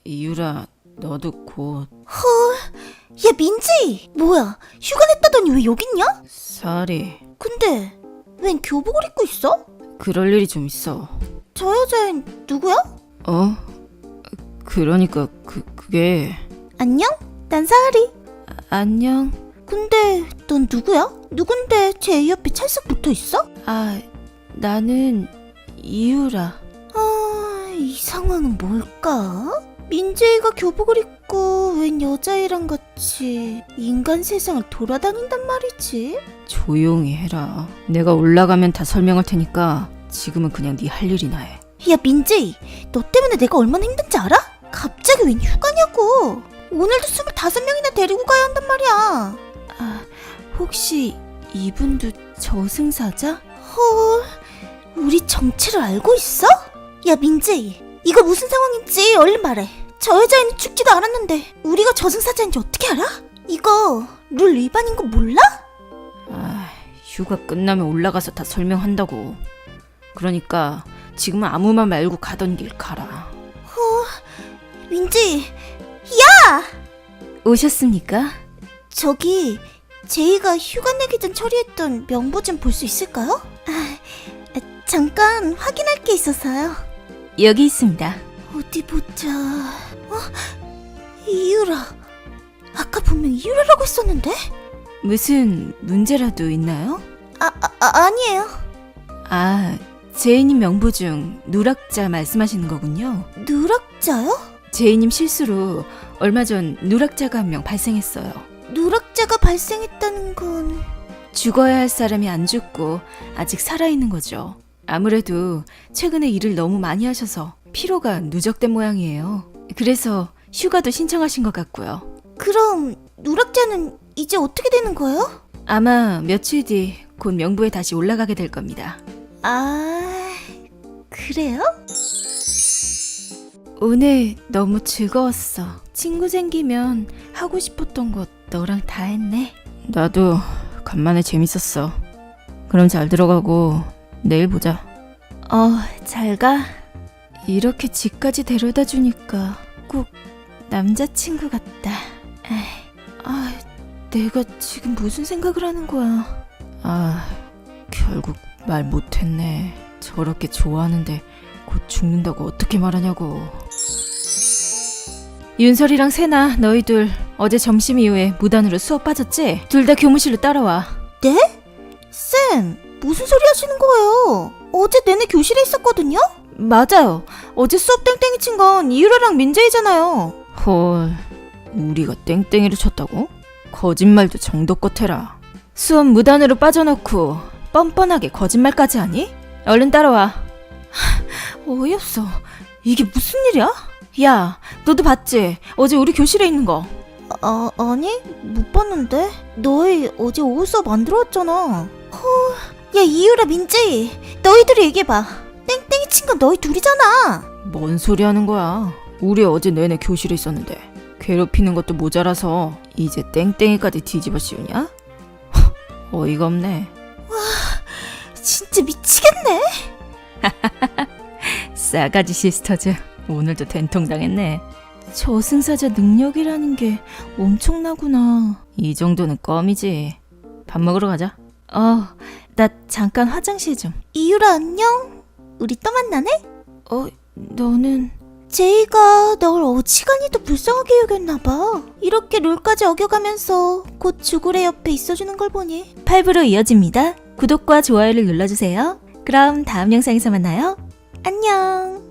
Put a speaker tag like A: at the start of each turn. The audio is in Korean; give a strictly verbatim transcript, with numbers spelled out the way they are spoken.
A: 이유라, 너도 곧.
B: 헐, 야 민지! 뭐야, 휴가 냈다더니 왜 여기 있냐?
A: 사리.
B: 근데 웬 교복을 입고 있어?
A: 그럴 일이 좀 있어.
B: 저 여자애는 누구야?
A: 어? 그러니까 그, 그게...
B: 안녕? 난 사하리.
A: 아, 안녕.
B: 근데 넌 누구야? 누군데 제 옆에 찰싹 붙어있어?
A: 아, 나는 이유라.
B: 아, 이 상황은 뭘까? 민재이가 교복을 입고 웬 여자애랑 같이 인간 세상을 돌아다닌단 말이지?
A: 조용히 해라. 내가 올라가면 다 설명할 테니까 지금은 그냥 네 할 일이나 해.
B: 야 민재이, 너 때문에 내가 얼마나 힘든지 알아? 갑자기 웬 휴가냐고. 오늘도 스물다섯 명이나 데리고 가야 한단 말이야.
A: 아, 혹시 이분도 저승사자?
B: 헐, 우리 정체를 알고 있어? 야 민재이, 이거 무슨 상황인지 얼른 말해. 저 여자애는 죽지도 않았는데 우리가 저승사자인지 어떻게 알아? 이거 룰 위반인 거 몰라?
A: 아, 휴가 끝나면 올라가서 다 설명한다고. 그러니까 지금은 아무 말 말고 가던 길 가라.
B: 어, 민지, 야!
A: 오셨습니까?
B: 저기 제이가 휴가 내기 전 처리했던 명부 좀 볼 수 있을까요? 아, 잠깐 확인할 게 있어서요.
A: 여기 있습니다.
B: 어디 보자. 어? 이유라. 아까 분명 이유라라고 했었는데?
A: 무슨 문제라도 있나요?
B: 아, 아, 아 아니에요.
A: 아, 제이님 명부 중 누락자 말씀하시는 거군요.
B: 누락자요?
A: 제이님 실수로 얼마 전 누락자가 한 명 발생했어요.
B: 누락자가 발생했다는 건...
A: 죽어야 할 사람이 안 죽고 아직 살아있는 거죠. 아무래도 최근에 일을 너무 많이 하셔서 피로가 누적된 모양이에요. 그래서 휴가도 신청하신 것 같고요.
B: 그럼 누락자는 이제 어떻게 되는 거예요?
A: 아마 며칠 뒤 곧 명부에 다시 올라가게 될 겁니다.
B: 아... 그래요?
A: 오늘 너무 즐거웠어. 친구 생기면 하고 싶었던 것 너랑 다 했네. 나도 간만에 재밌었어. 그럼 잘 들어가고 내일 보자. 어, 잘 가. 이렇게 집까지 데려다 주니까 꼭 남자친구 같다. 에이, 아, 내가 지금 무슨 생각을 하는 거야. 아, 결국 말 못했네. 저렇게 좋아하는데 곧 죽는다고 어떻게 말하냐고. 윤설이랑 세나 너희들 어제 점심 이후에 무단으로 수업 빠졌지? 둘 다 교무실로 따라와.
B: 네? 쌤, 무슨 소리 하시는 거예요? 어제 내내 교실에 있었거든요?
A: 맞아요.
B: 어제 수업 땡땡이 친 건 이유라랑 민재이잖아요.
A: 헐, 우리가 땡땡이를 쳤다고? 거짓말도 정도껏 해라. 수업 무단으로 빠져놓고 뻔뻔하게 거짓말까지 하니? 얼른 따라와. 어이없어. 이게 무슨 일이야? 야, 너도 봤지? 어제 우리 교실에 있는 거.
B: 아, 아니? 못 봤는데? 너희 어제 오후 수업 안 들어왔잖아. 헐, 야 이유라 민재이, 너희들이 얘기해봐. 땡땡이 친 건 너희 둘이잖아.
A: 뭔 소리 하는 거야? 우리 어제 내내 교실에 있었는데 괴롭히는 것도 모자라서 이제 땡땡이까지 뒤집어 씌우냐? 어이가 없네.
B: 와, 진짜 미치겠네.
A: 싸가지 시스터즈, 오늘도 된통당했네. 저승사자 능력이라는 게 엄청나구나. 이 정도는 껌이지. 밥 먹으러 가자. 어, 나 잠깐 화장실 좀.
B: 이유라 안녕? 우리 또 만나네?
A: 어, 너는...
B: 제이가 널 어지간히도 불쌍하게 여겼나봐. 이렇게 룰까지 어겨가면서 곧 죽으래 옆에 있어주는 걸 보니.
A: 팔 부로 이어집니다. 구독과 좋아요를 눌러주세요. 그럼 다음 영상에서 만나요.
B: 안녕.